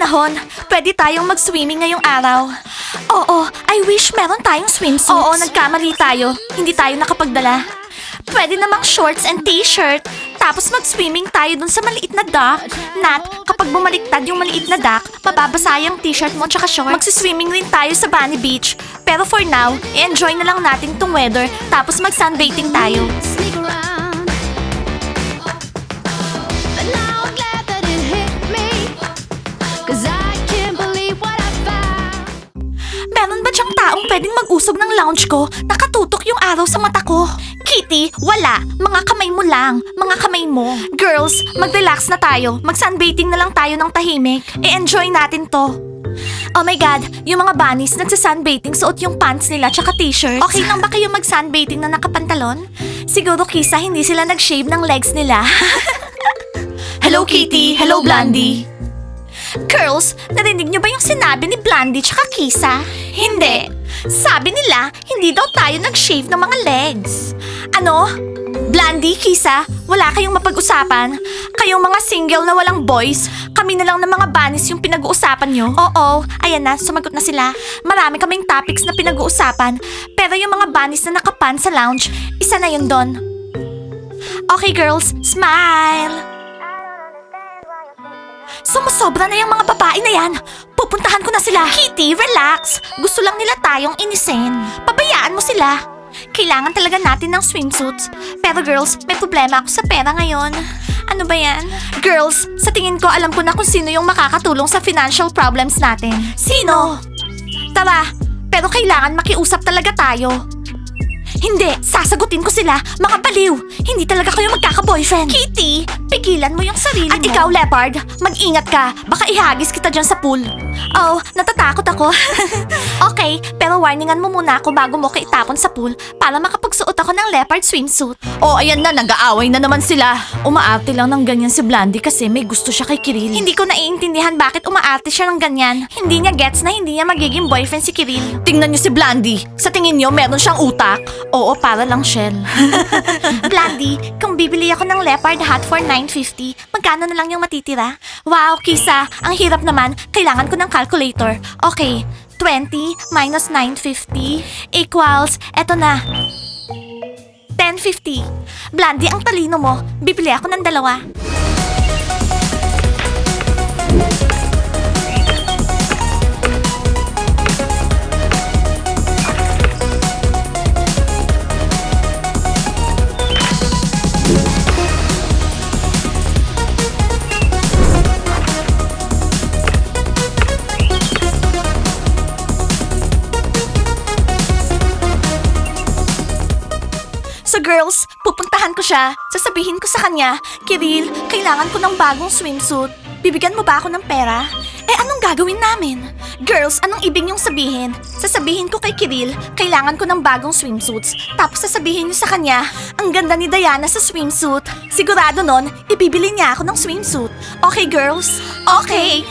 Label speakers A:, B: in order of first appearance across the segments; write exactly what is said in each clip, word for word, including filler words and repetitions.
A: panahon. Pwede tayong mag-swimming ngayong araw. Oo, I wish meron tayong swimsuits. Oo, nagkamali tayo. Hindi tayo nakapagdala. Pwede namang shorts and t-shirt. Tapos mag-swimming tayo dun sa maliit na dock. Nat, kapag bumaliktad yung maliit na dock, mababasa yung t-shirt mo tsaka shorts. Magsiswimming rin tayo sa Bunny Beach. Pero for now, i-enjoy na lang natin tong weather. Tapos mag-sunbathing tayo.
B: Sneak around. But now I'm glad that it hit me. 'Cause I can't believe what I found.
A: Meron ba diyang taong pwedeng mag-usog ng lounge ko? Nakatutok yung araw sa mata ko. Kitty, wala. Mga kamay mo lang. Mga kamay mo. Girls, mag-relax na tayo. Mag-sunbathing na lang tayo ng tahimik. I-enjoy natin to. Oh my God, yung mga bunnies nagsa-sunbathing suot yung pants nila tsaka t-shirts. Okay lang ba kayo mag-sunbathing na nakapantalon? Siguro Kisa hindi sila nag-shave ng legs nila. Hello Kitty, hello Blondie. Girls, narinig niyo ba yung sinabi ni Blondie tsaka Kisa? Hindi. Sabi nila, hindi daw tayo nag-shave ng mga legs. Ano? Blondie, Kisa, wala kayong mapag-usapan? Kayong mga single na walang boys, kami na lang ng mga bunnies yung pinag-uusapan nyo? Oo, ayan na, sumagot na sila. Marami kaming topics na pinag-uusapan, pero yung mga bunnies na nakapan sa lounge, isa na yun doon. Okay girls, smile! Sumusobra na yung mga babae na yan. Pupuntahan ko na sila. Kitty, relax. Gusto lang nila tayong inisin. Pabayaan mo sila. Kailangan talaga natin ng swimsuits. Pero girls, may problema ako sa pera ngayon. Ano ba yan? Girls, sa tingin ko alam ko na kung sino yung makakatulong sa financial problems natin. Sino? Tara, pero kailangan makiusap talaga tayo. Hindi, sasagutin ko sila. Mga baliw. Hindi talaga kayo magkaka-boyfriend. Kitty, pigilan mo yung sarili mo. At ikaw, Leopard, mag-ingat ka. Baka ihagis kita dyan sa pool. Oh, natatakot ako. Okay, pero warningan mo muna ako bago mo ka itapon sa pool para makapagsuot ako ng leopard swimsuit. Oh, ayan na, nag-aaway na naman sila. Umaarte lang ng ganyan si Blondie kasi may gusto siya kay Kiril. Hindi ko naiintindihan bakit umaarte siya ng ganyan. Hindi niya gets na hindi niya magiging boyfriend si Kiril. Tingnan niyo si Blondie. Sa tingin niyo, meron siyang utak? Oo, para lang shell. Blondie, kung bibili ako ng leopard hat for nine fifty, magkano na lang yung matitira? Wow, Kisa, ang hirap naman. Kailangan ko ng calculator. Okay, twenty minus nine fifty equals, eto na, ten fifty. Blondie, ang talino mo. Bibili ako ng dalawa. So girls, pupuntahan ko siya. Sasabihin ko sa kanya, Kiril, kailangan ko ng bagong swimsuit. Bibigyan mo ba ako ng pera? Eh anong gagawin namin? Girls, anong ibig niyong sabihin? Sasabihin ko kay Kiril, kailangan ko ng bagong swimsuits. Tapos sasabihin niyo sa kanya, ang ganda ni Diana sa swimsuit. Sigurado nun, ibibili niya ako ng swimsuit. Okay girls? Okay.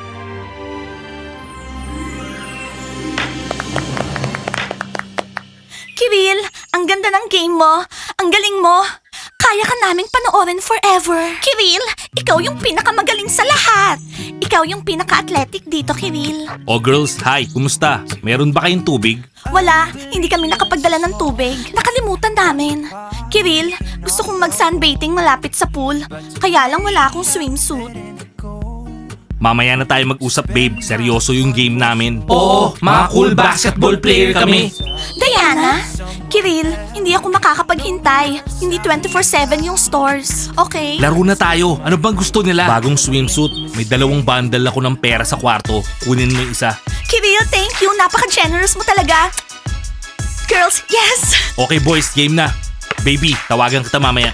A: Kiril, ang ganda ng game mo. Ang galing mo. Kaya ka naming panoorin forever. Kiril, ikaw yung pinakamagaling sa lahat. Ikaw yung pinaka-athletic dito, Kiril.
C: Oh girls, hi, kumusta? Meron ba kayong tubig?
A: Wala, hindi kami nakapagdala ng tubig. Nakalimutan namin. Kiril, gusto kong mag-sunbathing malapit sa pool. Kaya lang wala akong swimsuit.
C: Mamaya na tayo mag-usap babe, seryoso yung game namin.
D: Oo, mga cool basketball player kami.
A: Diana, Kiril, hindi ako makakapaghintay. Hindi twenty-four seven yung stores. Okay?
C: Laro na tayo, ano bang gusto nila? Bagong swimsuit, may dalawang bundle ako ng pera sa kwarto, kunin mo yung isa.
A: Kiril, thank you. Napaka-generous mo talaga. Girls, yes!
C: Okay boys, game na. Baby, tawagan kita mamaya.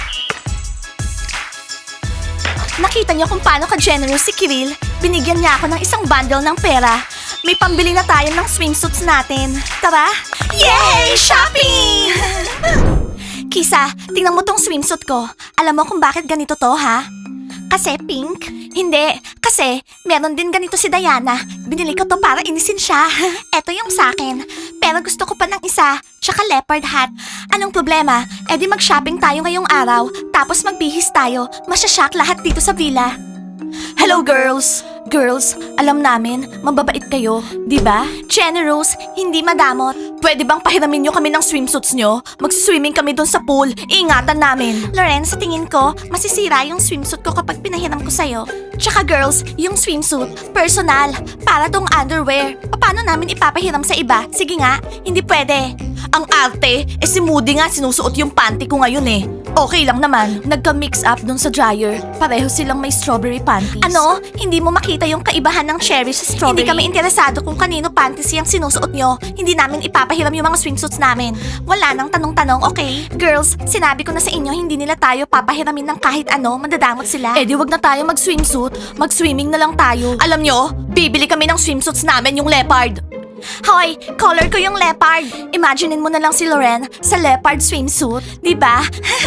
A: Nakita niyo kung paano ka-generous si Kiril. Binigyan niya ako ng isang bundle ng pera. May pambili na tayo ng swimsuits natin. Tara! Yay! Shopping! Kisa, tingnan mo tong swimsuit ko. Alam mo kung bakit ganito to, ha? Kasi pink? Hindi. Kasi meron din ganito si Diana. Binili ko to para inisin siya. Eto yung sakin. Pero gusto ko pa ng isa. Tsaka leopard hat. Anong problema? E di mag-shopping tayo ngayong araw. Tapos magbihis tayo. Masyashock lahat dito sa villa. Hello girls! Girls, alam namin, mababait kayo, di ba? Generous, hindi madamot. Pwede bang pahiramin nyo kami ng swimsuits nyo? Mag-swimming kami dun sa pool, iingatan namin. Loren, sa tingin ko, masisira yung swimsuit ko kapag pinahiram ko sa'yo. Tsaka girls, yung swimsuit, personal, para tong underwear. Paano namin ipapahiram sa iba? Sige nga, hindi pwede. Ang arte, eh si Moody nga sinusuot yung panty ko ngayon eh. Okay lang naman. Nagka-mix up dun sa dryer. Pareho silang may strawberry panties. Ano? Hindi mo makita yung kaibahan ng cherry sa strawberry? Hindi kami interesado kung kanino panties yung sinusuot nyo. Hindi namin ipapahiram yung mga swimsuits namin. Wala nang tanong-tanong, okay? Girls, sinabi ko na sa inyo, hindi nila tayo papahiramin ng kahit ano, mandadamot sila. Eh di wag na tayo mag-swimsuit. Mag-swimming na lang tayo. Alam nyo, bibili kami ng swimsuits namin yung leopard. Hoy, color ko yung leopard. Imaginein mo na lang si Loren sa leopard swimsuit, di ba?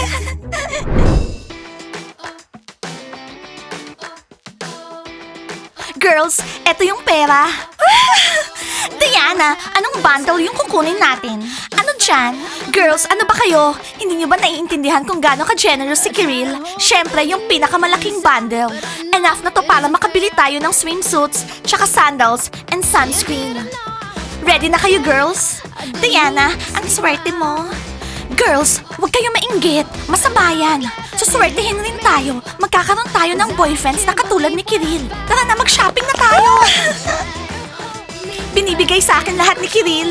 A: Girls, eto yung pera. Diana, anong bundle yung kukunin natin? Ano dyan? Girls, ano ba kayo? Hindi nyo ba naiintindihan kung gaano ka-generous si Kiril? Siyempre, yung pinakamalaking bundle. Enough na to para makabili tayo ng swimsuits, tsaka sandals, and sunscreen. Ready na kayo, girls? Diana, ang swerte mo. Girls, huwag kayo mainggit. Masabayan. Suswertehin rin tayo. Magkakaroon tayo ng boyfriends na katulad ni Kiril. Tara na, mag-shopping na tayo. Binibigay sa akin lahat ni Kiril.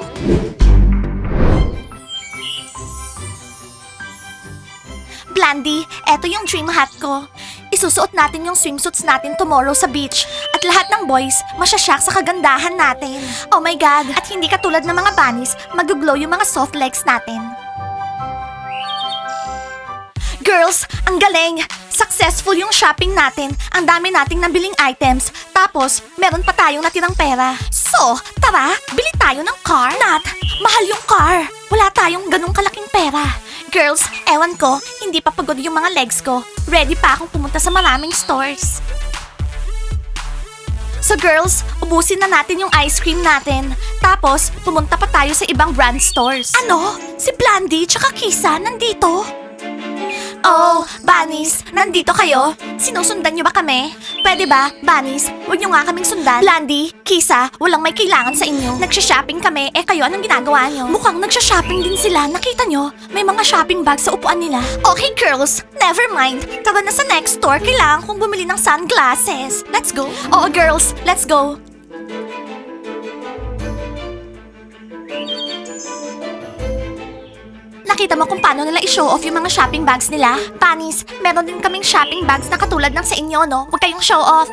A: Blandy, eto yung dream hat ko. Isusuot natin yung swimsuits natin tomorrow sa beach. At lahat ng boys, masyasyak sa kagandahan natin. Oh my God! At hindi katulad ng mga bunnies, mag-glow yung mga soft legs natin. Girls, ang galing! Successful yung shopping natin. Ang dami nating nabiling items. Tapos, meron pa tayong natirang pera. So, tara, bili tayo ng car. Nat, mahal yung car. Wala tayong ganong kalaking pera. Girls, ewan ko, hindi pa pagod yung mga legs ko. Ready pa akong pumunta sa maraming stores. So girls, ubusin na natin yung ice cream natin. Tapos, pumunta pa tayo sa ibang brand stores. Ano? Si Blandy tsaka Kisa nandito? Oh, Bunnies, nandito kayo? Sinusundan niyo ba kami? Pwede ba, Bunnies, huwag niyo nga kaming sundan? Blandy, Kisa, walang may kailangan sa inyo. Nagsha-shopping kami, eh kayo anong ginagawa niyo? Mukhang nagsha-shopping din sila, nakita niyo? May mga shopping bags sa upuan nila. Okay girls, never mind. Tara na sa next store, kailangan kong bumili ng sunglasses. Let's go. Oo girls, let's go. Nakita mo kung paano nila i-show off yung mga shopping bags nila? Bunnies, meron din kaming shopping bags na katulad ng sa inyo, no? Huwag kayong show off.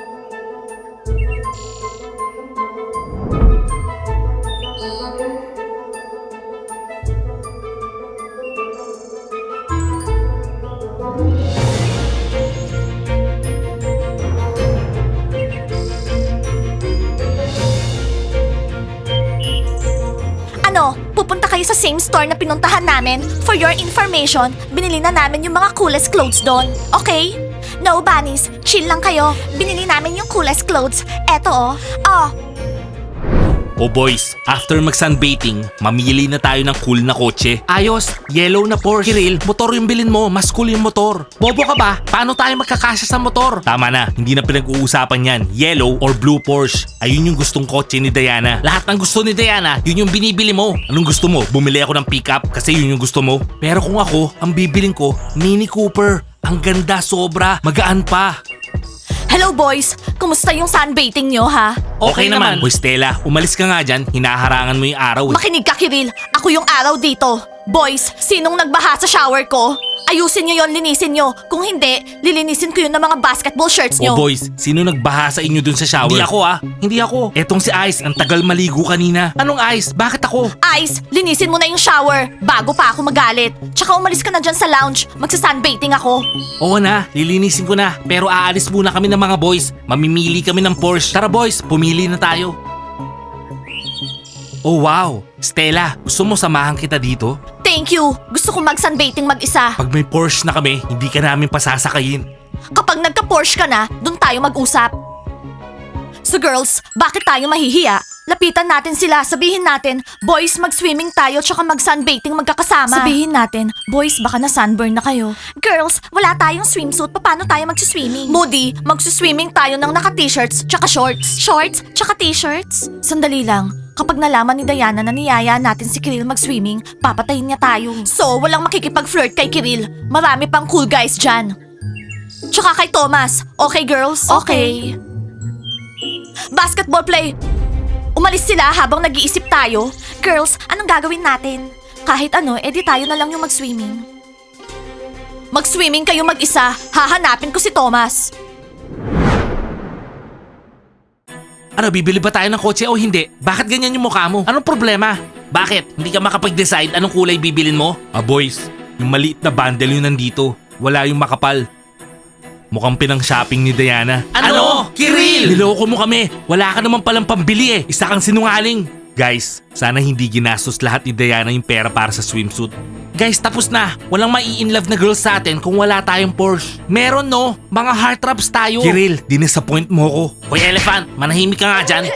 A: Ano, pupunta kayo sa same store na pinuntahan namin? For your information, binili na namin yung mga coolest clothes doon. Okay? No, Bunnies. Chill lang kayo. Binili namin yung coolest clothes. Eto oh. Oh,
C: O boys, after mag-sunbathing, mamili na tayo ng cool na kotse. Ayos, yellow na Porsche. Kiril, motor yung bilin mo, mas cool yung motor. Bobo ka ba? Paano tayo magkakasya sa motor? Tama na, hindi na pinag-uusapan yan. Yellow or blue Porsche. Ayun yung gustong kotse ni Diana. Lahat ng gusto ni Diana, yun yung binibili mo. Anong gusto mo? Bumili ako ng pickup kasi yun yung gusto mo? Pero kung ako, ang bibiling ko, Mini Cooper. Ang ganda sobra, magaan pa.
A: hello boys. Kumusta yung sunbathing nyo, ha?
C: Okay, naman. Hoy Stella, umalis ka nga dyan. Hinaharangan mo yung araw eh.
A: Makinig ka, Kiril. Ako yung araw dito. Boys, sinong nagbaha sa shower ko? Ayusin nyo yon, linisin nyo. Kung hindi, lilinisin ko yun ng mga basketball shirts nyo.
C: Oh boys, sino nagbaha sa inyo dun sa shower? Hindi ako ah, hindi ako. Etong si Ice, ang tagal maligo kanina. Anong Ice? Bakit ako?
A: Ice, linisin mo na yung shower bago pa ako magalit. Tsaka umalis ka na dyan sa lounge. Magsa-sunbathing ako.
C: Oo na, lilinisin ko na. Pero aalis muna kami ng mga boys. Mamimili kami ng Porsche. Tara boys, pumili na tayo. Oh wow, Stella, gusto mo samahan kita dito?
A: Thank you. Gusto ko mag-sunbathing mag-isa.
C: Pag may Porsche na kami, hindi ka namin pasasakayin.
A: Kapag nagka-Porsche ka na, dun tayo mag-usap. So girls, bakit tayo mahihiya? lapitan natin sila. Sabihin natin, boys, mag-swimming tayo tsaka mag-sunbathing magkakasama. Sabihin natin, boys, baka na-sunburn na kayo. Girls, wala tayong swimsuit. Paano tayo mag-swimming? Moody, mag-swimming tayo ng naka-t-shirts tsaka shorts. Shorts tsaka t-shirts? Sandali lang. Kapag nalaman ni Diana na niyaya natin si Kiril mag-swimming, papatayin niya tayo. So, walang makikipag-flirt kay Kiril. Marami pang cool guys dyan. Tsaka kay Thomas. Okay, girls? Okay. Basketball play. Umalis sila habang nag-iisip tayo. Girls, anong gagawin natin? Kahit ano, edi tayo na lang yung mag-swimming. Mag-swimming kayo mag-isa. Hahanapin ko si Thomas.
C: Ano, bibili ba tayo ng kotse o hindi? Bakit ganyan yung mukha mo? Anong problema? Bakit? Hindi ka makapag-decide anong kulay bibilin mo? Ah, boys, yung maliit na bundle yun nandito. Wala yung makapal. Mukhang pinang-shopping ni Diana.
D: Ano? Kiril!
C: Niloko mo kami. Wala ka naman palang pambili eh. Isa kang sinungaling. Guys, sana hindi ginastos lahat ni Diana yung pera para sa swimsuit. Guys, tapos na. Walang mai-inlove na girls sa atin kung wala tayong Porsche. Meron no, mga heartthrobs tayo. Kiril, dinisappoint mo ko. Hoy Elephant, manahimik ka nga dyan.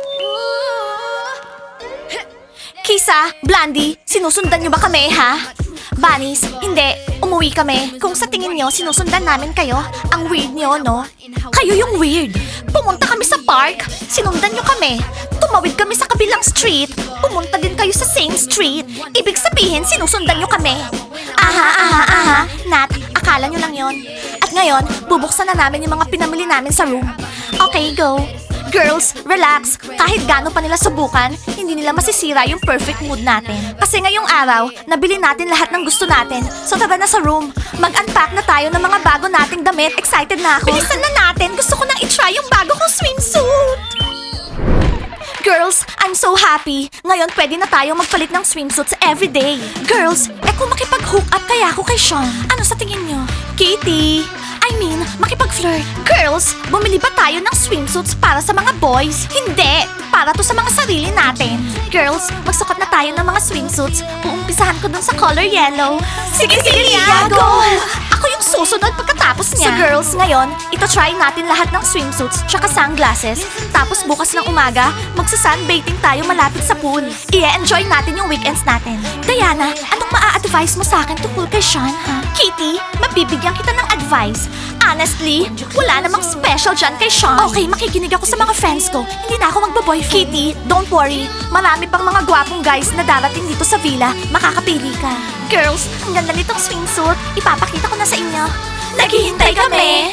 A: Kisa, Blandy, sinusundan niyo ba kami, ha? Bunnies, hindi. Umuwi kami. Kung sa tingin niyo, sinusundan namin kayo, ang weird niyo, no? Kayo yung weird. Pumunta kami sa park, sinundan niyo kami. Tumawid kami sa kabilang street, pumunta din kayo sa same street. Ibig sabihin, sinusundan niyo kami. Aha, aha, aha. Nat, akala niyo lang yon. At ngayon, bubuksan na namin yung mga pinamili namin sa room. Okay, go. Girls, relax. Kahit gaano pa nila subukan, hindi nila masisira yung perfect mood natin. Kasi ngayong araw, nabili natin lahat ng gusto natin. So tara na sa room. Mag-unpack na tayo ng mga bago nating damit. Excited na ako. Bilisan na natin. Gusto ko nang i-try yung bago kong swimsuit. Girls, I'm so happy. Ngayon pwede na tayong magpalit ng swimsuits everyday. Girls, eh kung makipag-hook up kaya ako kay Sean, ano sa tingin nyo? Kitty! I mean, makipag-flirt. Girls, bumili ba tayo ng swimsuits para sa mga boys? Hindi! Para to sa mga sarili natin. Girls, magsukat na tayo ng mga swimsuits. Uumpisahan ko dun sa color yellow. Sige, sige, Lia! Go! Ako yung susunod pagkatapos niya. So girls, ngayon, ito try natin lahat ng swimsuits tsaka sunglasses. Tapos bukas ng umaga, magsa-sunbathing tayo malapit sa pool. I-enjoy natin yung weekends natin. Diana, anong maa-advise mo sa akin tungkol kay Sean, ha? Kitty, mabibigyan kita ng advice. Honestly, wala namang special dyan kay Sean. Okay, makikinig ako sa mga friends ko. Hindi na ako magbaboyfriend. Kitty, don't worry. Marami pang mga gwapong guys na darating dito sa villa. Makakapili ka. Girls, ang ganda nitong swimsuit. Ipapakita ko na sa inyo. Naghihintay kami.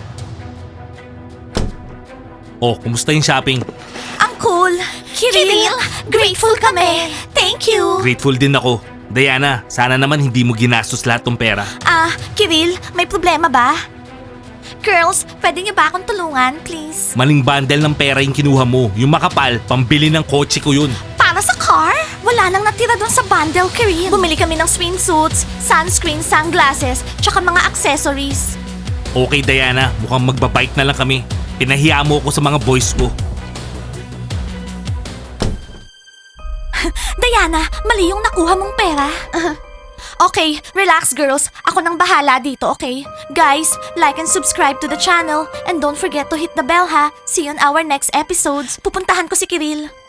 C: Oh, kumusta yung shopping?
A: Ang cool. Kiril, grateful kami. Thank you.
C: Grateful din ako. Diana, sana naman hindi mo ginastos lahat ng pera.
A: Ah, Kiril, may problema ba? Girls, pwede niyo ba akong tulungan, please?
C: Maling bundle ng pera yung kinuha mo. Yung makapal, pambili ng kotse ko yun.
A: Para sa car? Wala nang natira doon sa bundle, Kiril. Bumili kami ng swimsuits, sunscreen, sunglasses, tsaka mga accessories.
C: Okay Diana, mukhang magbabike na lang kami. Pinahiya mo ko sa mga boys ko.
A: Diana, mali yung nakuha mong pera. Okay, relax girls. Ako nang bahala dito, okay? Guys, like and subscribe to the channel. And don't forget to hit the bell ha. See you on our next episodes. Pupuntahan ko si Kiril.